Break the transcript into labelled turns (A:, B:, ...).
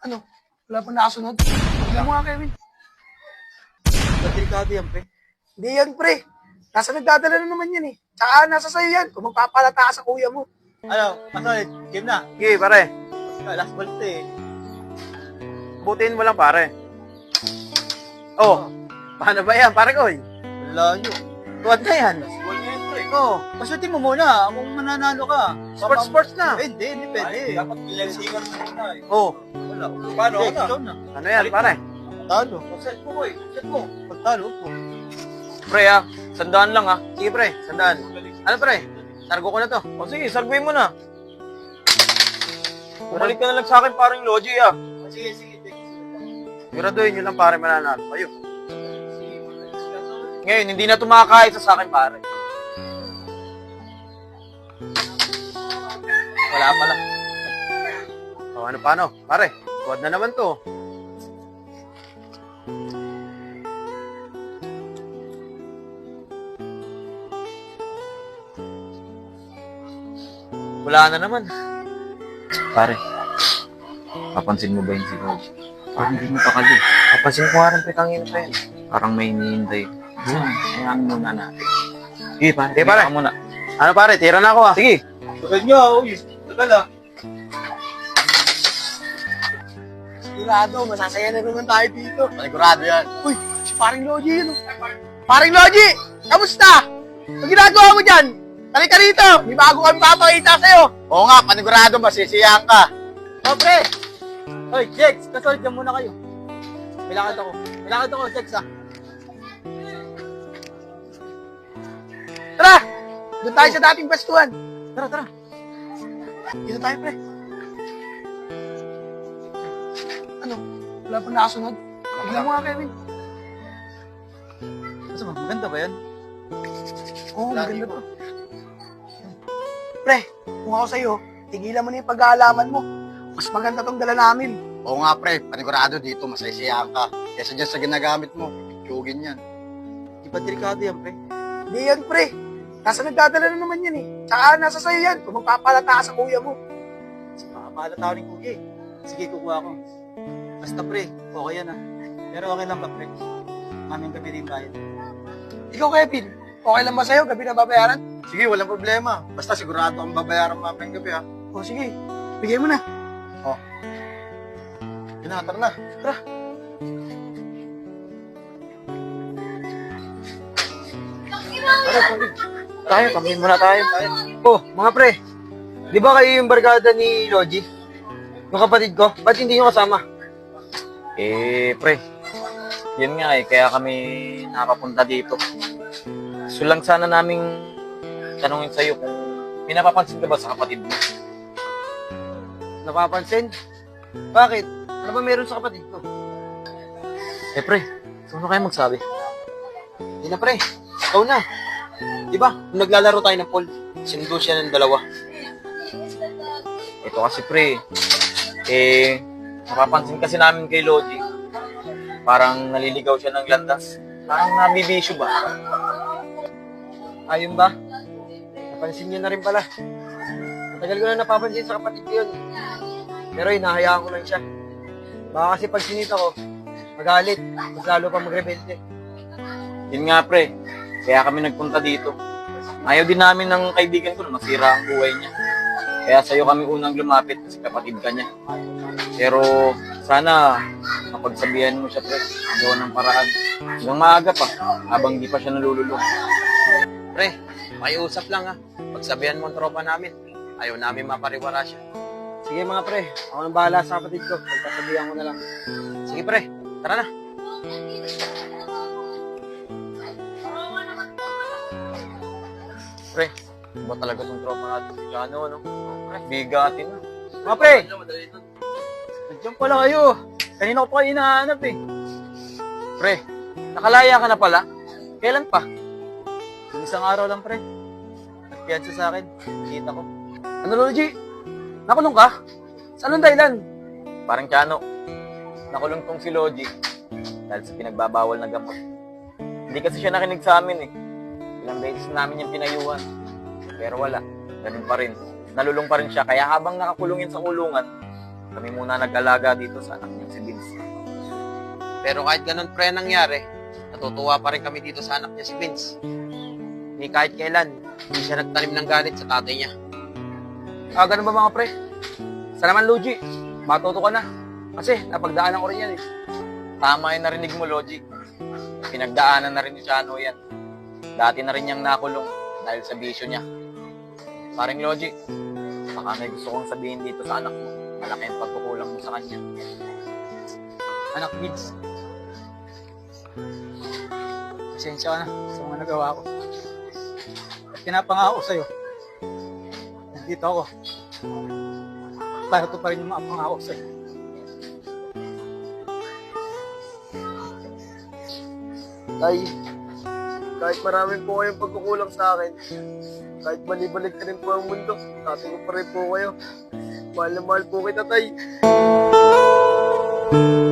A: Ano? Wala pang nakasunod? Tignan mo nga, Kevin.
B: Delikado yan, pre.
A: Hindi yan, pre. Nasa nagdadala na naman yan eh. Tsaka nasa sayo yan. Kung magpapalata ka sa kuya mo.
B: Ano, Masolit, game na.
C: Sige, pare.
B: Last ball to eh.
C: Butiin mo lang, pare. Oh, paano ba yan, pare ko?
B: Layo.
C: Tuwad na yan.
B: Ball na yan, pre. Oo, pasutin mo muna kung mananalo ka.
C: Sports na.
B: Eh, hindi pwede. Dapat ilansingan mo muna eh.
C: Oh,
B: Wala. Paano ka na? Ikaw na.
C: ano yan, pare?
B: Talo. Set mo, boy. Set mo. Pagtalo po.
C: Pre, sandaan lang, Sige, pre, sandaan. Ano, pre? Sargo ko na to. O, sige, sarguin mo na. Bumalik ka na lang sa akin, parang Logi,
B: Sige, sige.
C: Siguraduhin nyo lang, pare, mananalo kayo. Ngayon, hindi na tumakahit sa akin, pare. Wala pala. O, ano paano? Pare, tuwad na naman to. Wala na naman.
D: Pare, papansin mo ba yung si Coach? Parang hindi mo pakali.
C: Kapansin ko nga rin, petangin pa yan.
D: Parang may hinihintay. Hayaan muna natin. Sige, pare.
C: Sige, pare.
D: Ka muna.
C: Ano, pare? Tira na ako, Sige.
B: Tagal nyo, uy. Tagal ah.
A: Sigurado, masasaya na naman tayo dito.
C: Panigurado yan.
A: Uy, si paring Logi yun. Paring Logi! Kamusta? Ang ginagawa mo dyan? Halika rito! May bago kami papakita sa'yo.
C: Oo nga, panigurado, masisiyahan ka.
A: O, pre!
B: Hoy, Jex, kasolit ka muna kayo. May lakad ako. May lakad ako, Jex ah.
A: Tara! Doon tayo sa dating pwestuhan.
B: Tara, tara.
A: Dito tayo, pre. Ano? Wala pang nakasunod? Tignan mo nga, Kevin.
B: Kasi maganda ba yan?
A: Oo, maganda to. Pre, kung ako sa'yo, tigilan mo na yung pag-aalaman mo. Mas maganda tong dala namin.
E: Oo nga pre, panigurado dito, masaysiyahan ka. Kesa dyan sa ginagamit mo, tiyugin yan.
B: Di ba delikado yan, pre?
A: Hindi yan, pre. Nasa nagdadala na naman yan eh. Tsaka nasa sayo yan. Kung magpapalata ka sa kuya mo.
B: Makapahala tao rin kuya eh. Sige, kukuha ko. Basta pre, okay yan ah. Pero okay lang ba pre? Maming gabi rin bayad.
A: Ikaw, Kevin, okay lang ba sa'yo? Gabi na babayaran?
E: Sige, walang problema. Basta sigurado ang babayaran mamayang gabi ha.
A: O sige, bigay mo na.
E: Tinatar na.
C: Tayo, kami muna tayo. Oh, mga pre. Di ba kayo yung barkada ni Logi? Yung kapatid ko? Ba't hindi nyo kasama?
D: Pre. Yun nga kaya kami nakapunta dito. So lang sana naming tanungin sa'yo kung pinapapansin ka ba sa kapatid mo?
C: Napapansin? Bakit? Ano ba meron sa kapatid ko?
D: Pre, sino kayo magsabi?
C: Hindi na, pre. Ikaw na. Di ba? Nung naglalaro tayo ng pool, sinundo siya ng dalawa.
D: Ito kasi pre, napapansin kasi namin kay Logi, parang naliligaw siya ng landas. Parang nabibisyo ba?
C: Ayun ba? Napansin niyo na rin pala. Matagal ko na napapansin sa kapatid ko yun. Pero hinahayaan ko lang siya. Baka kasi pag sinita ko, magalit, mas lalo pa magrebelde.
D: Yun nga pre, kaya kami nagpunta dito. Ayaw din namin ng kaibigan ko na masira ang buhay niya. Kaya sa'yo kami unang lumapit kasi kapatid ka niya. Pero sana mapagsabihan mo siya pre, gawa ng paraan. Hanggang maaga pa, habang di pa siya nalululong.
C: Pre, pakiusap lang Pagsabihan mo ang tropa namin. Ayaw namin mapariwara siya. Sige mga pre, ako nang bahala sa kapatid ko. Pagpasabihan ko na lang. Sige pre, tara na.
D: Pre, iba talaga tong tropa natin si Jano, no? Pre, bigatin na.
C: Mga pre,
B: Nandiyan pala kayo. Kanina ko pa kayo hinahanap eh.
D: Pre, nakalaya ka na pala?
C: kailan pa?
B: Yung isang araw lang pre. Nagpiyansa sa akin. Kita ko.
C: Ano Logi? Nakulong ka? Saan ang dahilan?
D: Parang Jano, nakulong tong si Logi dahil sa pinagbabawal na gamot. Hindi kasi siya nakinig sa amin eh. Ilang beses namin yung pinayuhan. Pero wala, ganun pa rin. Nalulong pa rin siya. Kaya habang nakakulungin sa kulungan, Kami muna nag-alaga dito sa anak niya si Vince.
C: Pero kahit ganun pre nangyari, natutuwa pa rin kami dito sa anak niya si Vince. Ni kahit kailan, hindi siya nagtanim ng galit sa tatay niya.
A: Ganun ba mga pre? Sa naman, Luigi, matuto ka na. Kasi napagdaanan ko rin yan eh.
D: Tama yung narinig mo, Logic. Pinagdaanan na rin ni Chano yan. Dati na rin niyang nakulong dahil sa bisyo niya. Paring Logic, baka may gusto kong sabihin dito sa anak mo. Malaki ang pagkukulang mo sa kanya.
B: Anak Vince, pasensya ka na sa mga nagawa ko. At pinapangako sa'yo, nandito ako. Para to pa rin yung mga pangako sa'yo.
C: Tay, kahit maraming po kayong pagkukulang sa akin, kahit balibalik ka rin po ang mundo, tatay ko pa rin po kayo. Mahal na mahal po kita, Tay.